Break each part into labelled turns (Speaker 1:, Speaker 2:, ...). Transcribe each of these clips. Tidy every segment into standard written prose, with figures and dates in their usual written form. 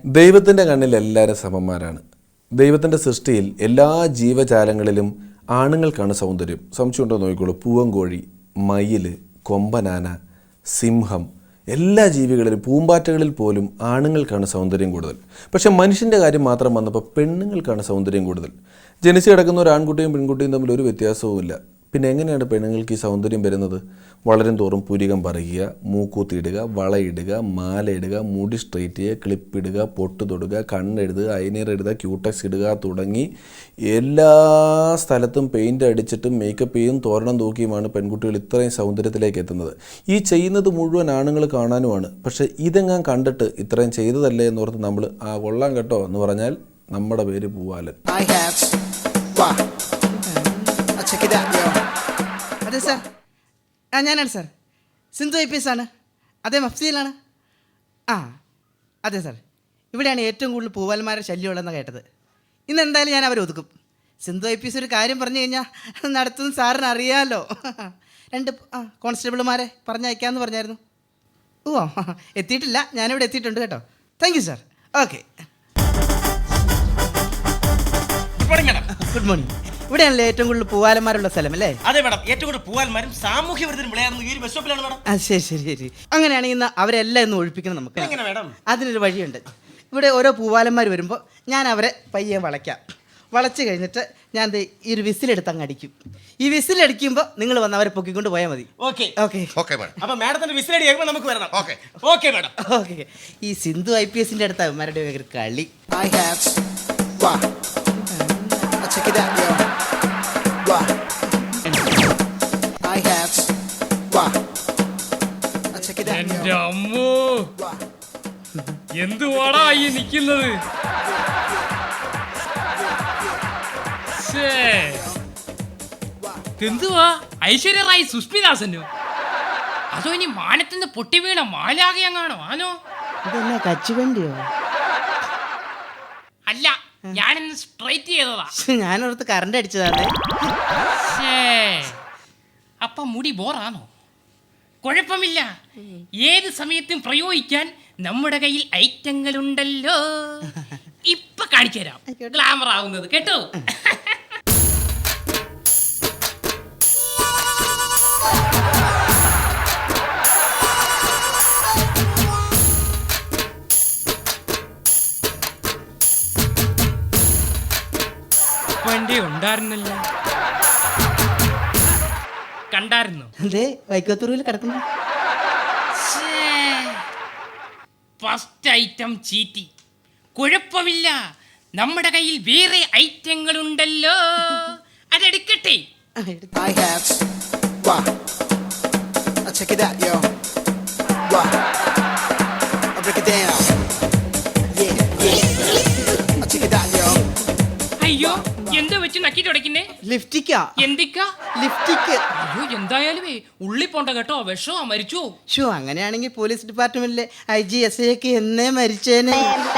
Speaker 1: ദൈവത്തിൻ്റെ കണ്ണിൽ എല്ലാവരും സമന്മാരാണ്. ദൈവത്തിൻ്റെ സൃഷ്ടിയിൽ എല്ലാ ജീവജാലങ്ങളിലും ആണുങ്ങൾക്കാണ് സൗന്ദര്യം. സംശയമുണ്ടോ നോക്കിക്കോളൂ. പൂവൻകോഴി, മയിൽ, കൊമ്പനാന, സിംഹം, എല്ലാ ജീവികളിലും പൂമ്പാറ്റകളിൽ പോലും ആണുങ്ങൾക്കാണ് സൗന്ദര്യം കൂടുതൽ. പക്ഷേ മനുഷ്യൻ്റെ കാര്യം മാത്രം വന്നപ്പോൾ പെണ്ണുങ്ങൾക്കാണ് സൗന്ദര്യം കൂടുതൽ. ജനിച്ചു കിടക്കുന്ന ഒരു ആൺകുട്ടിയും പെൺകുട്ടിയും തമ്മിൽ ഒരു വ്യത്യാസവുമില്ല. പിന്നെ എങ്ങനെയാണ് പെണ്ണുങ്ങൾക്ക് ഈ സൗന്ദര്യം വരുന്നത്? വളരും തോറും പുരികം പറിയുക, മൂക്കൂത്തിയിടുക, വളയിടുക, മാലയിടുക, മുടി സ്ട്രെയിറ്റ് ചെയ്യുക, ക്ലിപ്പിടുക, പൊട്ട് തൊടുക, കണ്ണെഴുതുക, ഐനർ എഴുതുക, ക്യൂടെക്സ് ഇടുക തുടങ്ങി എല്ലാ സ്ഥലത്തും പെയിൻ്റ് അടിച്ചിട്ടും മേക്കപ്പ് ചെയ്യും തോരണം തൂക്കിയുമാണ് പെൺകുട്ടികൾ ഇത്രയും സൗന്ദര്യത്തിലേക്ക് എത്തുന്നത്. ഈ ചെയ്യുന്നത് മുഴുവൻ ആണുങ്ങൾ കാണാനുമാണ്. പക്ഷേ ഇതെങ്ങാൻ കണ്ടിട്ട് ഇത്രയും ചെയ്തതല്ലേ എന്നോർത്ത് നമ്മൾ കൊള്ളാം കേട്ടോ എന്ന് പറഞ്ഞാൽ നമ്മുടെ പേര് പൂവാലൻ.
Speaker 2: അതെ സാർ, ഞാനാണ് സാർ. സിന്ധു IPS ആണ്. അതെ, മഫ്സിയിലാണ്. അതെ സാർ, ഇവിടെയാണ് ഏറ്റവും കൂടുതൽ പൂവാലന്മാരുടെ ശല്യമുള്ളതെന്ന് കേട്ടത്. ഇന്ന് എന്തായാലും ഞാൻ അവരെ ഒതുക്കും. സിന്ധു IPS ഒരു കാര്യം പറഞ്ഞു കഴിഞ്ഞാൽ നടത്തുന്ന സാറിന് അറിയാമല്ലോ. 2 കോൺസ്റ്റബിൾമാരെ പറഞ്ഞയക്കാമെന്ന് പറഞ്ഞായിരുന്നു. എത്തിയിട്ടില്ല, ഞാനിവിടെ എത്തിയിട്ടുണ്ട് കേട്ടോ. Thank you sir. Okay, good morning. ഇവിടെയാണല്ലേ ഏറ്റവും കൂടുതൽ പൂവാലന്മാരുള്ള സ്ഥലം അല്ലേ?
Speaker 3: അതെ മാഡം, ഏറ്റവും കൂടുതൽ പൂവാലന്മാരും സാമൂഹ്യ വിരുദ്ധരും വിളയാറുന്നത് ഈ ബസ് സ്റ്റോപ്പിലാണ് മാഡം.
Speaker 2: ശരി. അങ്ങനെയാണെങ്കിൽ ഇന്ന് അവരെല്ലാം ഇന്ന് ഒഴിപ്പിക്കണം നമുക്ക്.
Speaker 3: എങ്ങനെ മാഡം?
Speaker 2: അതിനൊരു വഴിയുണ്ട്. ഇവിടെ ഓരോ പൂവാലന്മാർ വരുമ്പോൾ ഞാൻ അവരെ പയ്യെ വളയ്ക്കാം. വളച്ച് കഴിഞ്ഞിട്ട് ഞാൻ ഈ ഒരു വിസിലെടുത്ത് അങ്ങ് അടിക്കും. ഈ വിസിലടിക്കുമ്പോൾ നിങ്ങൾ വന്ന് അവരെ പൊക്കിക്കൊണ്ട് പോയാൽ മതി.
Speaker 3: ഓക്കെ.
Speaker 2: അപ്പോൾ
Speaker 3: മാഡത്തിന്റെ വിസിലടി കേൾക്കുമ്പോൾ നമുക്ക് വരണം. Okay madam.
Speaker 2: ഓക്കെ. ഈ സിന്ധു IPSന്റെ അടുത്ത് അവന്മാരുടെ ഒരു കളി.
Speaker 4: എന്റെ അമ്മോ, എന്തുവാടാ ഈ നിക്കുന്നത്? എന്തുവാ ഐശ്വര്യ റായ് സുസ്മിദാസനോ? അതോ ഇനി മാനത്തുനിന്ന് പൊട്ടി വീണ മാലാകയങ്ങാണോ? ആനോ
Speaker 2: ഇതെന്നാ കച്ചുവണ്ടിയോ?
Speaker 4: അല്ല, ഞാനിന്ന് സ്ട്രൈറ്റ് ചെയ്തതാ.
Speaker 2: ഞാനോർത്ത് കറണ്ട് അടിച്ചതാണ്.
Speaker 4: അപ്പൊ മുടി ബോറാണോ? കുഴപ്പമില്ല, ഏത് സമയത്തും പ്രയോഗിക്കാൻ നമ്മുടെ കയ്യിൽ ഐറ്റങ്ങളുണ്ടല്ലോ. ഇപ്പൊ കാണിച്ചു തരാം ഗ്ലാമർ ആവുന്നത് കേട്ടോ. വണ്ടി ഉണ്ടായിരുന്നല്ലോ, കണ്ടായിരുന്നു?
Speaker 2: അതെ, വൈക്കത്തൂരിൽ കിടക്കുന്നു.
Speaker 4: ഫസ്റ്റ് ഐറ്റം ചീറ്റി. കുഴപ്പമില്ല, നമ്മുടെ കയ്യിൽ വേറെ ഐറ്റങ്ങളുണ്ടല്ലോ. അതെടുക്കട്ടെ. അയ്യോ, എന്താ വെച്ച് നക്കി തുടക്കുന്നേ?
Speaker 2: ലിഫ്റ്റിക്കാ.
Speaker 4: എന്തിക്കാ?
Speaker 2: ലിഫ്റ്റിക്ക്.
Speaker 4: അയ്യോ, എന്തായാലും ഉള്ളി പോണ്ട കേട്ടോ, വിഷോ മരിച്ചോ?
Speaker 2: അങ്ങനെയാണെങ്കിൽ പോലീസ് ഡിപ്പാർട്ട്മെന്റിലെ IG SI ഒക്കെ എന്നേ മരിച്ചേനെ.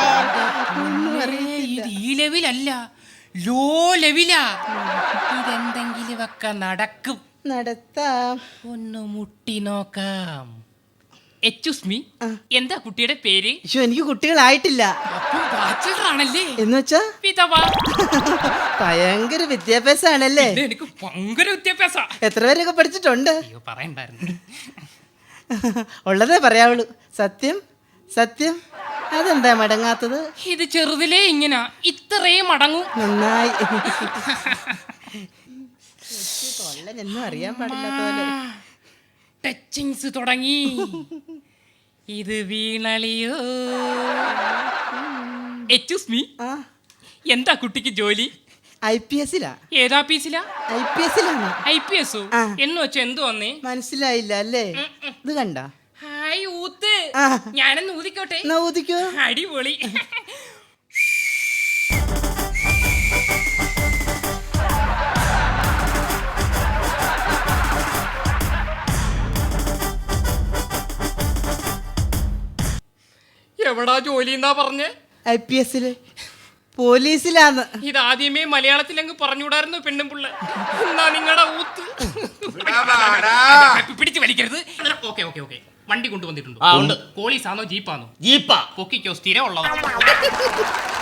Speaker 4: ഇത് ഈ ലെവലല്ല, ലോ ലെവലാ. ഇതെന്തെങ്കിലും ഒക്കെ നടക്കും.
Speaker 2: നടത്താം.
Speaker 4: ഒന്ന് മുട്ടി നോക്കാം. എക്സ്ക്യൂസ് മീ, എന്താ കുട്ടിയുടെ പേര്?
Speaker 2: എനിക്ക് കുട്ടികളായിട്ടില്ല.
Speaker 4: ആണല്ലേ?
Speaker 2: എന്ന് വെച്ചാ
Speaker 4: വിധവ.
Speaker 2: ഭയങ്കര വിദ്യാഭ്യാസാണല്ലേ?
Speaker 4: എനിക്ക് ഭയങ്കര വിദ്യാഭ്യാസ.
Speaker 2: എത്ര പേരൊക്കെ പഠിച്ചിട്ടുണ്ട്?
Speaker 4: പറയണ്ടായിരുന്നു.
Speaker 2: ഉള്ളതേ പറയാവുള്ളൂ. സത്യം. അതെന്താ മടങ്ങാത്തത്?
Speaker 4: ഇത് ചെറുതിലേ ഇങ്ങനെ ഇത്രയും മടങ്ങും.
Speaker 2: നന്നായി. കൊള്ളനെന്നും അറിയാൻ പാടില്ലാത്ത പോലെ
Speaker 4: ടച്ചിങ്സ് തുടങ്ങി. ഇത് വീണളിയോ? എക്സ്ക്യൂസ് മീ, എന്താ കുട്ടിക്ക് ജോലി?
Speaker 2: IPSലാ.
Speaker 4: ഏതാ പീസിലാ?
Speaker 2: IPSലാണ്.
Speaker 4: IPS എന്ന് വെച്ചാ എന്ത് വന്നേ?
Speaker 2: മനസ്സിലായില്ല അല്ലേ? ഇത് കണ്ട?
Speaker 4: ഹായ് ഊത്ത്. ഞാനൊന്ന് ഊതിക്കോട്ടെ?
Speaker 2: ഊതിക്കോ.
Speaker 4: അടിപൊളി. എവിടാ ജോലി എന്നാ പറഞ്ഞേ?
Speaker 2: IPSല് പോലീസിലാന്ന്.
Speaker 4: ഇതാദ്യമേ മലയാളത്തിലങ്ങ് പറഞ്ഞുകൂടായിരുന്നു പെണ്ണും പിള്ള. എന്നാ നിങ്ങളുടെ ഊത്ത് പിടിച്ചു വലിക്കരുത്. ഓക്കെ വണ്ടി കൊണ്ടുവന്നിട്ടുണ്ടോ?
Speaker 3: ആ ഉണ്ട്.
Speaker 4: പോലീസാണോ ജീപ്പാണോ?
Speaker 3: ജീപ്പാ.
Speaker 4: പൊക്കിക്കോ, സ്ഥിരം ഉള്ളതാ.